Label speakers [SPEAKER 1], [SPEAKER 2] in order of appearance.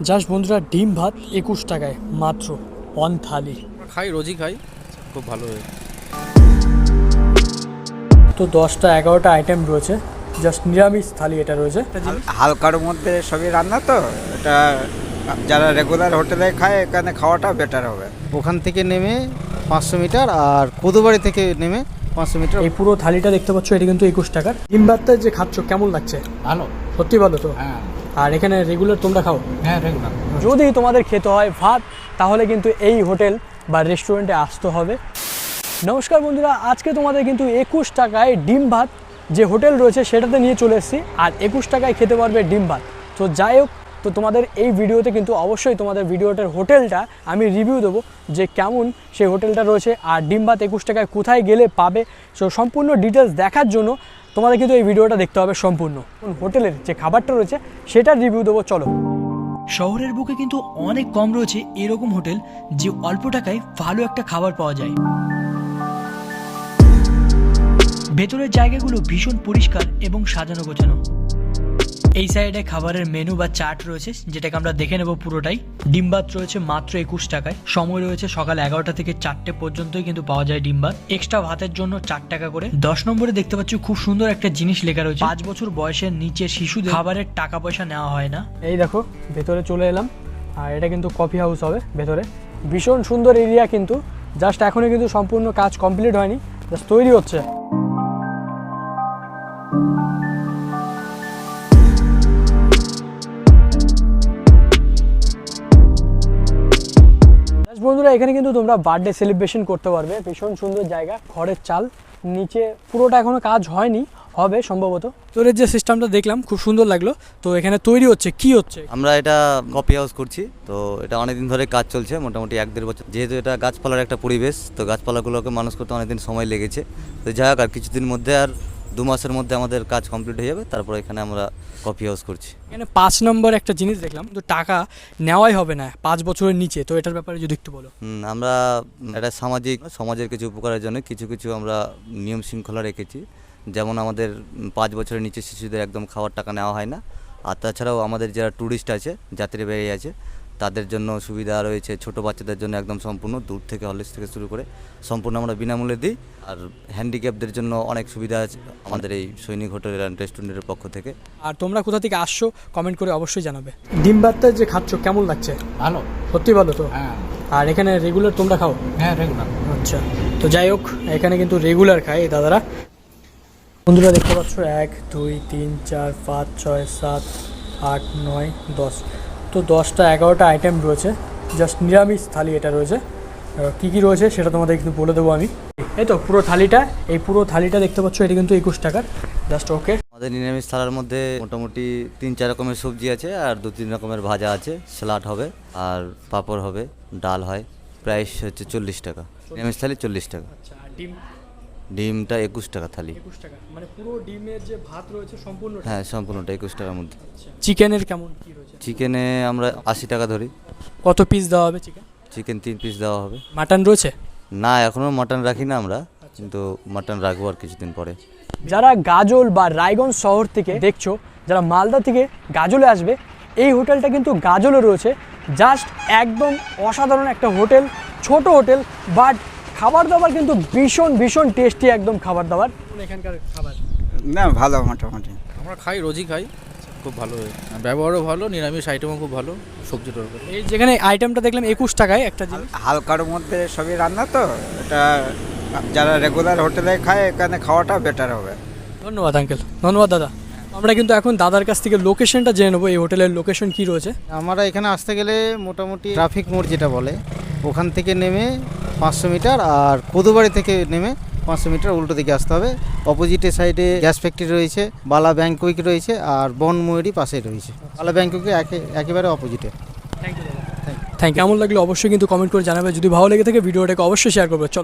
[SPEAKER 1] Just বন্ধুরা ডিম ভাত 21 টাকায় মাত্র অন থালি।
[SPEAKER 2] খাই, রোজই খাই, খুব ভালো হয়।
[SPEAKER 1] তো 10টা 11টা আইটেম রয়েছে, জাস্ট নিরামিষ থালি এটা রয়েছে।
[SPEAKER 3] হালকার মধ্যে সবই রান্না, তো এটা যারা রেগুলার হোটেলে খায় এখানে খাওয়াটা বেটার হবে।
[SPEAKER 4] ওখান থেকে নেমে 500 মিটার আর কোদোবাড়ি থেকে নেমে 500 মিটার।
[SPEAKER 1] এই পুরো থালিটা দেখতে পাচ্ছ, এটা কিন্তু 21 টাকার। ডিম ভাতটা যে খাচ্ছ কেমন লাগছে?
[SPEAKER 3] ভালো,
[SPEAKER 1] সত্যি ভালো তো?
[SPEAKER 3] হ্যাঁ
[SPEAKER 1] আর এখানে রেগুলার তোমরা খাও?
[SPEAKER 3] হ্যাঁ রেগুলার।
[SPEAKER 1] যদি তোমাদের খেতে হয় ভাত, তাহলে কিন্তু এই হোটেল বা রেস্টুরেন্টে আসতে হবে। নমস্কার বন্ধুরা, আজকে তোমাদের কিন্তু 21 টাকায় ডিম ভাত যে হোটেল রয়েছে সেটাতে নিয়ে চলে এসেছি। আর 21 টাকায় খেতে পারবে ডিম ভাত। তো যাই হোক, তো তোমাদের এই ভিডিওতে কিন্তু অবশ্যই তোমাদের ভিডিওটার হোটেলটা আমি রিভিউ দেবো যে কেমন সেই হোটেলটা রয়েছে, আর ডিম ভাত 21 টাকায় কোথায় গেলে পাবে। সো সম্পূর্ণ ডিটেলস দেখার জন্য তোমাদের কিন্তু এই ভিডিওটা দেখতে হবে সম্পূর্ণ। হোটেলের যে খাবারটা রয়েছে সেটার রিভিউ দেবো, চলো। শহরের বুকে কিন্তু অনেক কম রয়েছে এরকম হোটেল যে অল্প টাকায় ভালো একটা খাবার পাওয়া যায়। ভেতরের জায়গাগুলো ভীষণ পরিষ্কার এবং সাজানো গোছানো। এই সাইডে খাবারের মেনু বা চার্ট রয়েছে, যেটাকে আমরা দেখে নেব পুরোটাই। ডিম ভাত রয়েছে মাত্র 21 টাকায়। সময় রয়েছে সকাল 11টা থেকে 4টে পর্যন্তই কিন্তু পাওয়া যায় ডিম ভাত। এক্সট্রা ভাতের জন্য 4 টাকা করে। 10 নম্বরে দেখতে পাচ্ছি খুব সুন্দর একটা জিনিস লেখা রয়েছে, 5 বছর বয়সের নিচে শিশুদের খাবারের টাকা পয়সা নেওয়া হয় না। এই দেখো ভেতরে চলে এলাম, আর এটা কিন্তু কফি হাউস হবে ভেতরে। ভীষণ সুন্দর এরিয়া, কিন্তু জাস্ট এখনই কিন্তু সম্পূর্ণ কাজ কমপ্লিট হয়নি, জাস্ট তৈরি হচ্ছে। বন্ধুরা, এখানে কিন্তু তোমরা বার্থডে সেলিব্রেশন করতে পারবে। ভীষণ সুন্দর জায়গা, খড়ের চাল, নিচে পুরোটা এখনো কাজ হয়নি, হবে সম্ভবত। তোর যে সিস্টেমটা দেখলাম খুব সুন্দর লাগলো। তো এখানে তৈরি হচ্ছে, কি হচ্ছে?
[SPEAKER 5] আমরা এটা কফি হাউস করছি, তো এটা অনেকদিন ধরে কাজ চলছে, মোটামুটি 1-1.5 বছর। যেহেতু এটা গাছপালার একটা পরিবেশ, তো গাছপালাগুলোকে মানুষ করতে অনেকদিন সময় লেগেছে। তো যাই হোক, আর কিছুদিন মধ্যে, আর 2 মাসের মধ্যে আমাদের কাজ কমপ্লিট হয়ে যাবে। তারপর এখানে আমরা কফি হাউস করছি।
[SPEAKER 1] এখানে 5 নম্বর একটা জিনিস দেখলাম, তো টাকা নেওয়াই হবে না 5 বছরের নিচে। তো এটার ব্যাপারে যদি একটু বলো।
[SPEAKER 5] আমরা এটা সমাজের কিছু উপকারের জন্য কিছু আমরা নিয়ম শৃঙ্খলা রেখেছি। যেমন আমাদের 5 বছরের নিচে শিশুদের একদম খাওয়ার টাকা নেওয়া হয় না। আর তাছাড়াও আমাদের যারা ট্যুরিস্ট আছে, যাত্রী বেরিয়ে আছে, তাদের জন্য সুবিধা রয়েছে। ছোট বাচ্চাদের জন্য একদম সম্পূর্ণ, দূর থেকে হলিস থেকে শুরু করে সম্পূর্ণ আমরা বিনামূল্যে দিই। আর হ্যান্ডিক্যাপদের জন্য অনেক সুবিধা আছে আমাদের এই সৈনিক হোটেল অ্যান্ড রেস্টুরেন্টের পক্ষ থেকে।
[SPEAKER 1] আর তোমরা কোথা থেকে আসছো কমেন্ট করে অবশ্যই জানাবে। ডিম ভাতটা যে খাচ্ছ কেমন লাগছে?
[SPEAKER 3] ভালো,
[SPEAKER 1] সত্যি ভালো তো?
[SPEAKER 3] হ্যাঁ
[SPEAKER 1] আর এখানে রেগুলার তোমরা খাও?
[SPEAKER 3] হ্যাঁ রেগুলার।
[SPEAKER 1] আচ্ছা, তো যাই হোক, এখানে কিন্তু রেগুলার খায় এই দাদারা। বন্ধুরা দেখতে পাচ্ছ 1 2 3 4 5 6 7 8 9 10। তো 10টা 11টা আইটেম রয়েছে, জাস্ট নিরামিষ থালি এটা রয়েছে। কী কী রয়েছে সেটা তোমাদের কিন্তু বলে দেবো আমি। এই তো পুরো থালিটা, এই পুরো থালিটা দেখতে পাচ্ছ, এটা কিন্তু 21 টাকার। Just okay.
[SPEAKER 5] আমাদের নিরামিষ থালার মধ্যে মোটামুটি 3-4 রকমের সবজি আছে, আর 2-3 রকমের ভাজা আছে, স্যালাড হবে, আর পাঁপড় হবে, ডাল হয়। প্রাইস হচ্ছে 40 টাকা। নিরামিষ থালি 40 টাকা।
[SPEAKER 1] আচ্ছা, আর ডিম?
[SPEAKER 5] ডিমটা 21 টাকা থালি।
[SPEAKER 1] 21 টাকা, মানে পুরো ডিমের যে ভাত রয়েছে সম্পূর্ণ?
[SPEAKER 5] হ্যাঁ, সম্পূর্ণটা 21 টাকার মধ্যে।
[SPEAKER 1] চিকেনের কেমন কি রয়েছে?
[SPEAKER 5] চিকেনে আমরা 80 টাকা ধরি।
[SPEAKER 1] কত পিস দেওয়া হবে চিকেন?
[SPEAKER 5] চিকেন 3 পিস দেওয়া হবে।
[SPEAKER 1] মাটন রয়েছে?
[SPEAKER 5] না, এখনও মাটন রাখি না আমরা, কিন্তু মাটন রাখবো আর কিছুদিন পরে।
[SPEAKER 1] যারা গাজল বা রায়গঞ্জ শহর থেকে দেখছো, যারা মালদা থেকে গাজলে আসবে, এই হোটেলটা কিন্তু গাজলে রয়েছে। জাস্ট একদম অসাধারণ একটা হোটেল, ছোট হোটেল, বাট খাবার দাবার কিন্তু ভীষণ ভীষণ টেস্টি একদম খাবার দাবার। এখানকার খাবার
[SPEAKER 3] না ভালো, মোটামুটি
[SPEAKER 2] আমরা খাই, রোজই খাই, খুব ভালো হয়। ব্যবহারও ভালো, নিরামিষ আইটেমও খুব ভালো, সবজি তরকারি।
[SPEAKER 1] এই যেখানে আইটেমটা দেখলাম 21 টাকায় একটা জিনিস।
[SPEAKER 3] হালকার মধ্যে সবই রান্না, তো এটা যারা রেগুলার হোটেলে খায় এখানে খাওয়াটা বেটার হবে।
[SPEAKER 1] ধন্যবাদ আঙ্কেল, ধন্যবাদ দাদা। আমরা কিন্তু এখন দাদার কাছ থেকে লোকেশনটা জেনে নেবো, এই হোটেলের লোকেশন কি রয়েছে।
[SPEAKER 4] আমরা এখানে আসতে গেলে মোটামুটি ট্রাফিক মোড় যেটা বলে, ওখান থেকে নেমে 500 মিটার আর কোদোবাড়ি থেকে নেমে 500 মিটার উল্টো দিকে আসতে হবে। অপোজিটে সাইডে গ্যাস ফ্যাক্টরি রয়েছে, বালা ব্যাংকুইক রয়েছে, আর বনময়ূরী পাশে রয়েছে। বালা ব্যাংকুইকে একেবারে অপোজিটে।
[SPEAKER 1] Thank you. কেমন লাগলো অবশ্যই কিন্তু কমেন্ট করে জানাবে। যদি ভালো লেগে থাকে ভিডিওটাকে অবশ্যই শেয়ার করবে। চল।